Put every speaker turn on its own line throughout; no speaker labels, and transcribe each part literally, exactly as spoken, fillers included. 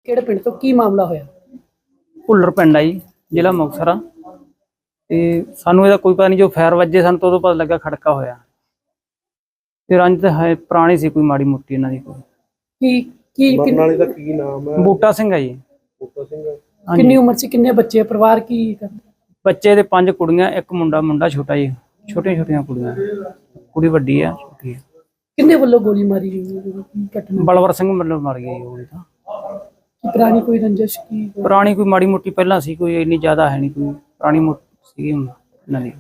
ਕਿਹੜੇ ਪਿੰਡ ਤੋਂ ਕੀ ਮਾਮਲਾ ਹੋਇਆ?
ਭੁੱਲਰ ਪਿੰਡ ਆ ਜੀ, ਜ਼ਿਲ੍ਹਾ ਮੁਕਤਸਰ ਆ। ਤੇ ਸਾਨੂੰ ਇਹਦਾ ਕੋਈ ਪਤਾ ਨਹੀਂ, ਜੋ ਫਾਇਰ ਵੱਜੇ ਸਾਨੂੰ ਤਾਂ ਉਦੋਂ ਪਤਾ ਲੱਗਾ ਖੜਕਾ ਹੋਇਆ। ਤੇ ਰੰਜ ਤਾਂ ਹੈ ਪੁਰਾਣੀ ਸੀ ਕੋਈ ਮਾੜੀ ਮੋਟੀ ਇਹਨਾਂ ਦੀ। ਕੋਈ
ਕੀ ਕੀ
ਮਰਨ
ਕਿੰਨ-
ਵਾਲੇ ਦਾ ਕੀ ਨਾਮ ਹੈ?
ਬੂਟਾ ਸਿੰਘ ਆ ਜੀ।
ਬੂਟਾ ਸਿੰਘ।
ਹਾਂਜੀ।
ਕਿੰਨੀ ਉਮਰ ਸੀ, ਕਿੰਨੇ ਬੱਚੇ, ਪਰਿਵਾਰ ਕੀ ਕਰਦਾ?
ਬੱਚੇ ਦੇ ਪੰਜ ਕੁੜੀਆਂ, ਇੱਕ ਮੁੰਡਾ। ਮੁੰਡਾ ਛੋਟਾ ਜੀ, ਛੋਟੀਆਂ ਛੋਟੀਆਂ ਕੁੜੀਆਂ, ਕੁੜੀ ਵੱਡੀ ਆ, ਛੋਟੀ ਆ।
ਕਿੰਨੇ ਵੱਲੋਂ ਗੋਲੀ ਮਾਰੀ ਗਈ? ਕੀ ਘਟਨਾ?
ਬਲਵਰ ਸਿੰਘ ਮਤਲਬ ਮਰ ਗਿਆ ਜੀ। ਉਹ ਵੀ ਤਾਂ
ਕੀ ਪੁਰਾਣੀ ਕੋਈ ਰੰਜਿਸ਼ ਕੀ?
ਪੁਰਾਣੀ ਕੋਈ ਮਾੜੀ ਮੋਟੀ ਪਹਿਲਾਂ ਸੀ, ਕੋਈ ਇੰਨੀ ਜ਼ਿਆਦਾ ਹੈ ਨਹੀਂ। ਕੋਈ ਪੁਰਾਣੀ ਮੋਟੀ ਸੀ ਇਹਨਾਂ ਦੀ।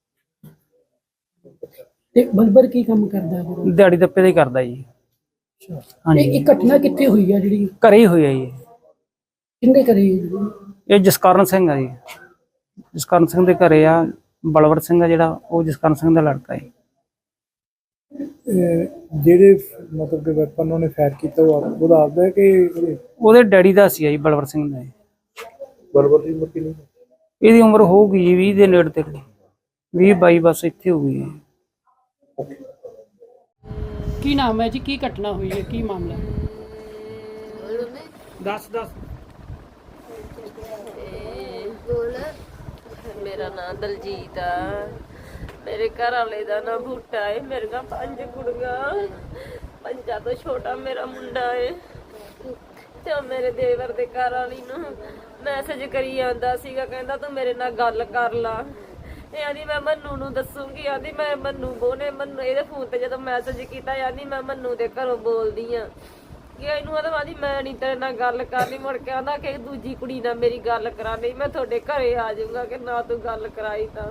ਤੇ ਬਲਬਰ ਕੀ ਕੰਮ ਕਰਦਾ ਹੈ?
ਦਿਹਾੜੀ ਦੱਪੇ ਦਾ ਹੀ ਕਰਦਾ ਜੀ।
ਇਹ
ਹਾਂਜੀ,
ਇਹ ਘਟਨਾ ਕਿੱਥੇ ਹੋਈ ਆ ਜਿਹੜੀ?
ਘਰੇ ਹੀ ਹੋਇਆ ਜੀ।
ਕਿੰਨੇ ਕਰੀ?
ਇਹ ਜਸਕਰਨ ਸਿੰਘ ਆ ਜੀ। ਜਸਕਰਨ ਸਿੰਘ ਦੇ ਘਰੇ ਆ। ਬਲਵਰ ਸਿੰਘ ਆ ਜਿਹੜਾ, ਉਹ ਜਸਕਰਨ ਸਿੰਘ ਦਾ ਲੜਕਾ ਹੈ।
ਜਿਹੜੇ ਮਤਲਬ ਕਿ ਵੈਪਨ ਉਹਨੇ ਫਾਇਰ ਕੀਤਾ ਉਹ ਉਹਦਾ ਆਪਦਾ ਹੈ ਕਿ ਉਹਦੇ?
ਉਹਦੇ ਡੈਡੀ ਦਾ ਸੀ ਜੀ, ਬਲਵਰ ਸਿੰਘ ਦਾ।
ਬਰਬਰ ਦੀ ਉਮਰ ਕਿੰਨੀ?
ਇਹਦੀ ਉਮਰ ਹੋਊਗੀ ਜੀ ਵੀਹ ਦੇ ਨੇੜੇ ਤੇੜੇ, ਵੀਹ ਬਾਈ ਬਸ ਇੱਥੇ ਹੋਊਗੀ ਜੀ।
ਕੀ ਨਾਮ ਹੈ ਜੀ? ਕੀ ਘਟਨਾ ਹੋਈ ਹੈ? ਕੀ ਮਾਮਲਾ?
ਦਸ ਦਸ
मेरा नाम दलजीत आ। मेरे घर वाले का नाम बूटा है। मेरे का पंज कुड़ियां, पंजा तो छोटा मेरा मुंडा है। ते मेरे देवर दे घर वाली नूं मैसेज करी आंदा सीगा, कहंदा तू मेरे नाल गल कर ला। ਇਹ ਆਂਦੀ ਮੈਂ ਮੰਨੂ ਨੂੰ ਦੱਸੂਗੀ। ਆਂਦੀ ਮੈਂ ਮੰਨੂ ਬੋਨੇ ਮੰਨੂ ਇਹਦੇ ਫੋਨ ਤੇ ਜਦੋਂ ਮੈਸੇਜ ਕੀਤਾ, ਆਂਦੀ ਮੈਂ ਮੰਨੂ ਦੇ ਘਰੋਂ ਬੋਲਦੀ ਆ ਕਿ ਇਹਨੂੰ ਆਦਾ ਆਂਦੀ ਮੈਂ ਨਹੀਂ ਤੇਰੇ ਨਾਲ ਗੱਲ ਕਰਨੀ। ਮੁੜ ਕੇ ਆਂਦਾ ਕਿ ਦੂਜੀ ਕੁੜੀ ਨਾਲ ਮੇਰੀ ਗੱਲ ਕਰਾ ਲਈ, ਮੈਂ ਤੁਹਾਡੇ ਘਰੇ ਆ ਜਾਊਂਗਾ ਕਿ ਨਾ ਤੂੰ ਗੱਲ ਕਰਾਈ ਤਾਂ।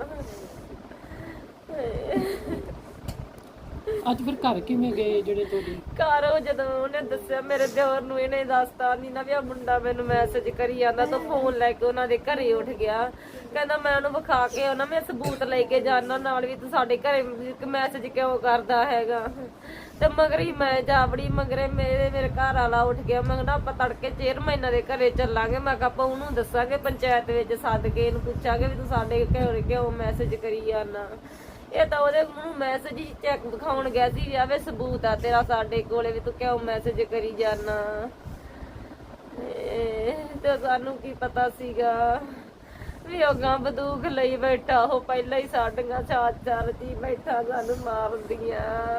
ਅੱਜ ਫਿਰ ਘਰ ਕਿਵੇਂ ਗਏ ਜਿਹੜੇ ਤੁਹਾਡੇ?
ਘਰ ਉਹ ਜਦੋਂ ਉਹਨੇ ਦੱਸਿਆ ਮੇਰੇ ਦਿਓਰ ਨੂੰ, ਇਹਨੇ ਦੱਸਤਾ ਨਹੀਂ ਨਾ ਵੀ ਆ ਮੁੰਡਾ ਮੈਨੂੰ ਮੈਸੇਜ ਕਰੀ ਜਾਂਦਾ, ਤਾਂ ਫੋਨ ਲੈ ਕੇ ਉਹਨਾਂ ਦੇ ਘਰੇ ਉੱਠ ਗਿਆ। ਕਹਿੰਦਾ ਮੈਂ ਉਹਨੂੰ ਵਿਖਾ ਕੇ ਉਹਨਾਂ ਮੈਂ ਸਬੂਤ ਲੈ ਕੇ ਜਾਣਾ ਨਾਲ ਵੀ, ਤੂੰ ਸਾਡੇ ਘਰੇ ਮੈਸੇਜ ਕਿਉਂ ਕਰਦਾ ਹੈਗਾ। ਤੇ ਮਗਰ ਹੀ ਮੈਂ ਜਾਵੜੀ, ਮਗਰੇ ਮੇਰੇ ਮੇਰੇ ਘਰ ਵਾਲਾ ਉੱਠ ਗਿਆ। ਮੈਂ ਕਿਹਾ ਆਪਾਂ ਤੜਕੇ ਚੇਅਰਮੈਨਾਂ ਦੇ ਘਰੇ ਚੱਲਾਂਗੇ। ਮੈਂ ਕਿਹਾ ਆਪਾਂ ਉਹਨੂੰ ਦੱਸਾਂਗੇ, ਪੰਚਾਇਤ ਵਿੱਚ ਸੱਦ ਕੇ ਇਹਨੂੰ ਪੁੱਛਾਂਗੇ ਵੀ ਤੂੰ ਸਾਡੇ ਘਰੇ ਕਿਉਂ ਮੈਸੇਜ ਕਰੀ ਜਾਂਦਾ। ਇਹ ਤਾਂ ਉਹਦੇ ਮੂੰਹ ਮੈਸੇਜ ਹੀ ਚੈੱਕ ਦਿਖਾਉਣ ਗਿਆ ਸੀ ਵੀ ਆਵੇ ਸਬੂਤ ਆ ਤੇਰਾ ਸਾਡੇ ਕੋਲੇ ਵੀ ਤੂੰ ਕਿਉਂ ਮੈਸੇਜ ਕਰੀ ਜਾਨਾ। ਤੇ ਸਾਨੂੰ ਕੀ ਪਤਾ ਸੀਗਾ ਵੀ ਉਹ ਗਾਂ ਬੰਦੂਕ ਲਈ ਬੈਠਾ, ਉਹ ਪਹਿਲਾਂ ਹੀ ਸਾਡੀਆਂ ਚਾਰ ਚਾਰ ਜੀ ਬੈਠਾ ਸਾਨੂੰ ਮਾਰਦੀਆਂ।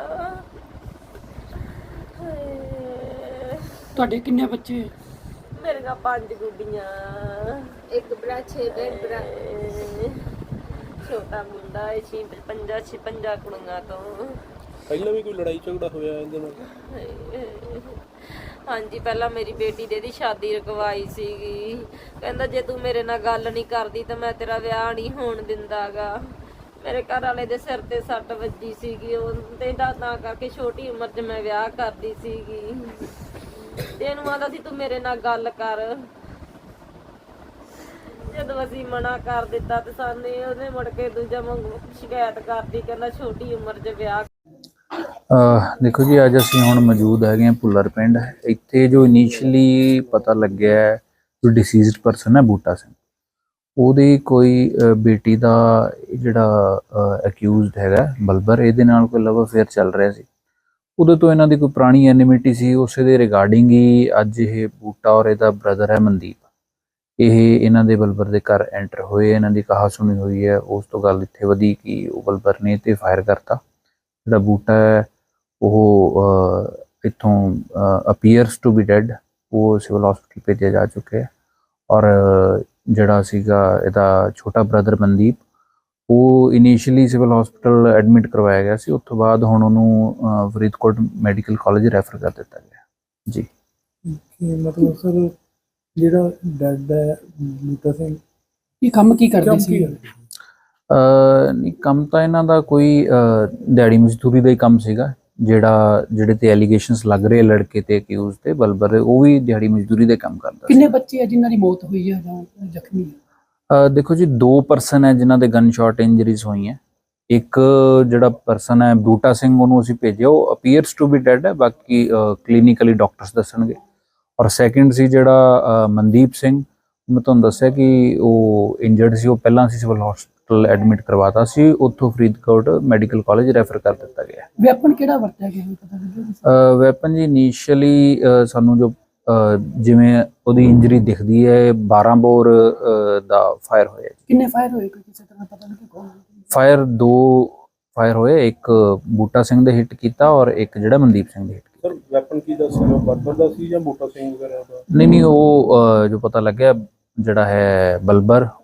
ਤੁਹਾਡੇ ਕਿੰਨੇ ਬੱਚੇ?
ਮੇਰੀਆਂ ਪੰਜ ਗੁੱਡੀਆਂ, ਇੱਕ ਭਰਾ, ਛੇ ਭੈਣ ਭਰਾ, ਛੋਟਾ ਮੁੰਡਾ ਹੈ। ਛੇ ਪੰਜਾ ਛੇ ਪੰਜਾ ਕੁੜੀਆਂ ਤੋਂ।
ਪਹਿਲਾਂ ਵੀ ਕੋਈ ਲੜਾਈ ਝਗੜਾ ਹੋਇਆ ਇਹਦੇ ਨਾਲ?
ਹਾਂਜੀ, ਪਹਿਲਾਂ ਮੇਰੀ ਬੇਟੀ ਦੇ ਦੀ ਸ਼ਾਦੀ ਰਕਵਾਈ ਸੀਗੀ। ਕਹਿੰਦਾ ਜੇ ਤੂੰ ਮੇਰੇ ਨਾਲ ਗੱਲ ਨਹੀਂ ਕਰਦੀ ਤਾਂ ਮੈਂ ਤੇਰਾ ਵਿਆਹ ਨਹੀਂ ਹੋਣ ਦਿੰਦਾਗਾ। ਮੇਰੇ ਘਰ ਵਾਲੇ ਦੇ ਸਿਰ ਤੇ ਸੱਟ ਵੱਜੀ ਸੀਗੀ, ਉਹ ਤੇ ਤਾਂ ਕਰਕੇ ਛੋਟੀ ਉਮਰ 'ਚ ਮੈਂ ਵਿਆਹ ਕਰਦੀ ਸੀਗੀ। ਤੇ ਇਹਨੂੰ ਆਂਦਾ ਸੀ ਤੂੰ ਮੇਰੇ ਨਾਲ ਗੱਲ ਕਰ। ਜਦੋਂ ਅਸੀਂ ਮਨਾ ਕਰ ਦਿੱਤਾ ਤੇ ਸਾਨੂੰ ਉਹਨੇ ਮੁੜ ਕੇ ਦੂਜਾ ਮੰਗੂ ਸ਼ਿਕਾਇਤ ਕਰਦੀ, ਕਹਿੰਦਾ ਛੋਟੀ ਉਮਰ 'ਚ ਵਿਆਹ।
ਦੇਖੋ ਜੀ, ਅੱਜ ਅਸੀਂ ਹੁਣ ਮੌਜੂਦ ਹੈਗੇ ਹਾਂ ਭੁੱਲਰ ਪਿੰਡ। ਇੱਥੇ ਜੋ ਇਨੀਸ਼ੀਅਲੀ ਪਤਾ ਲੱਗਿਆ ਜੋ ਡਿਸੀਜ਼ਡ ਪਰਸਨ ਹੈ ਬੂਟਾ ਸਿੰਘ, ਉਹਦੀ ਕੋਈ ਬੇਟੀ ਦਾ ਜਿਹੜਾ ਅਕਿਊਜ਼ਡ ਹੈਗਾ ਬਲਬਰ, ਇਹਦੇ ਨਾਲ ਕੋਈ ਲਵ ਅਫੇਅਰ ਚੱਲ ਰਿਹਾ ਸੀ। ਉਦੋਂ ਤੋਂ ਇਹਨਾਂ ਦੀ ਕੋਈ ਪੁਰਾਣੀ ਐਨਿਮਿਟੀ ਸੀ। ਉਸੇ ਦੇ ਰਿਗਾਰਡਿੰਗ ਹੀ ਅੱਜ ਇਹ ਬੂਟਾ ਔਰ ਇਹਦਾ ਬ੍ਰਦਰ ਹੈ ਮਨਦੀਪ, ਇਹ ਇਹਨਾਂ ਦੇ ਬਲਬਰ ਦੇ ਘਰ ਐਂਟਰ ਹੋਏ। ਇਹਨਾਂ ਦੀ ਕਹਾ ਸੁਣੀ ਹੋਈ ਹੈ। ਉਸ ਤੋਂ ਗੱਲ ਇੱਥੇ ਵਧੀ ਕਿ ਉਹ ਬਲਬਰ ਨੇ ਤੇ ਫਾਇਰ ਕਰਤਾ। ਜਿਹੜਾ ਬੂਟਾ ਹੈ ਉਹ ਇੱਥੋਂ ਅਪੀਅਰਸ ਟੂ ਬੀ ਡੈਡ, ਉਹ ਸਿਵਲ ਹਸਪੀਟਲ ਭੇਜਿਆ ਜਾ ਚੁੱਕਿਆ ਹੈ। ਔਰ ਜਿਹੜਾ ਸੀਗਾ ਇਹਦਾ ਛੋਟਾ ਬ੍ਰਦਰ ਮਨਦੀਪ, ਉਹ ਇਨੀਸ਼ੀਅਲੀ ਸਿਵਲ ਹਸਪੀਟਲ ਐਡਮਿਟ ਕਰਵਾਇਆ ਗਿਆ ਸੀ। ਉਸ ਤੋਂ ਬਾਅਦ ਹੁਣ ਉਹਨੂੰ ਫਰੀਦਕੋਟ ਮੈਡੀਕਲ ਕਾਲਜ ਰੈਫਰ ਕਰ ਦਿੱਤਾ ਗਿਆ ਜੀ।
ਮਤਲਬ ਸਰ ਜਿਹੜਾ ਡੈਡ ਹੈ ਬੂਟਾ ਸਿੰਘ,
ਇਹ ਕੰਮ ਕੀ ਕਰਦੇ ਸੀ?
ਨਹੀਂ, ਕੰਮ ਤਾਂ ਇਹਨਾਂ ਦਾ ਕੋਈ ਦਿਹਾੜੀ ਮਜ਼ਦੂਰੀ ਦਾ ਹੀ ਕੰਮ ਸੀਗਾ। ਜਿਹੜਾ ਜਿਹੜੇ ਤੇ ਐਲੀਗੇਸ਼ਨਸ ਲੱਗ ਰਹੇ ਲੜਕੇ ਤੇ ਅਕਿਊਜ਼ ਤੇ ਬਲਬਰ, ਉਹ ਵੀ ਦਿਹਾੜੀ ਮਜ਼ਦੂਰੀ ਦੇ ਕੰਮ ਕਰਦਾ।
ਕਿੰਨੇ ਬੱਚੇ ਆ ਜਿਨ੍ਹਾਂ ਦੀ ਮੌਤ ਹੋਈ ਹੈ ਜਾਂ ਜ਼ਖਮੀ?
ਦੇਖੋ ਜੀ, ਦੋ ਪਰਸਨ ਹੈ ਜਿਨ੍ਹਾਂ ਦੇ ਗਨ ਸ਼ਾਟ ਇੰਜਰੀਜ਼ ਹੋਈਆਂ। ਇੱਕ ਜਿਹੜਾ ਪਰਸਨ ਹੈ ਬੂਟਾ ਸਿੰਘ, ਉਹਨੂੰ ਅਸੀਂ ਭੇਜਿਆ, ਉਹ ਅਪੀਅਰਸ ਟੂ ਬੀ ਡੈਡ ਹੈ, ਬਾਕੀ ਕਲੀਨਿਕਲੀ ਡਾਕਟਰਸ ਦੱਸਣਗੇ। ਔਰ ਸੈਕਿੰਡ ਸੀ ਜਿਹੜਾ ਮਨਦੀਪ ਸਿੰਘ, ਮੈਂ ਤੁਹਾਨੂੰ ਦੱਸਿਆ ਕਿ ਉਹ ਇੰਜਰਡ ਸੀ। ਉਹ ਪਹਿਲਾਂ ਅਸੀਂ ਸਿਵਲ ਹਸਪੀਟਲ ਐਡਮਿਟ ਕਰਵਾਤਾ ਸੀ, ਉੱਥੋਂ ਫਰੀਦਕੋਟ ਮੈਡੀਕਲ ਕਾਲਜ ਰੈਫਰ ਕਰ ਦਿੱਤਾ ਗਿਆ।
ਵੈਪਨ ਕਿਹੜਾ ਵਰਤਿਆ ਗਿਆ ਪਤਾ ਲੱਗਿਆ?
ਵੈਪਨ ਜੀ ਇਨੀਸ਼ੀਅਲੀ ਸਾਨੂੰ ਜੋ ਅਹ, ਜਿਵੇਂ ਉਹਦੀ ਇੰਜਰੀ ਦਿਖਦੀ ਹੈ ਬਾਰਾਂ ਬੋਰ ਅਹ, ਦਾ ਫਾਇਰ ਹੋਇਆ।
ਕਿੰਨੇ ਫਾਇਰ ਹੋਏ ਕੋਈ ਕਿਸੇ ਤਰ੍ਹਾਂ ਪਤਾ ਨਹੀਂ ਕੌਣ?
ਫਾਇਰ ਦੋ ਫਾਇਰ ਹੋਏ, ਇੱਕ ਬੂਟਾ ਸਿੰਘ ਦੇ ਹਿੱਟ ਕੀਤਾ ਔਰ ਇੱਕ ਜਿਹੜਾ ਮਨਦੀਪ ਸਿੰਘ ਦੇ ਹਿੱਟ ਕੀਤਾ।
ਸਰ ਵੈਪਨ ਕੀ ਦਾ ਸੀ, ਉਹ ਬਰਬਰ ਦਾ ਸੀ ਜਾਂ ਬੂਟਾ ਸਿੰਘ ਵਗੈਰਾ ਦਾ?
ਨਹੀਂ ਨਹੀਂ ਉਹ ਅਹ, ਜੋ ਪਤਾ ਲੱਗਿਆ ਜਿਹੜਾ ਹੈ ਬਲਬਰ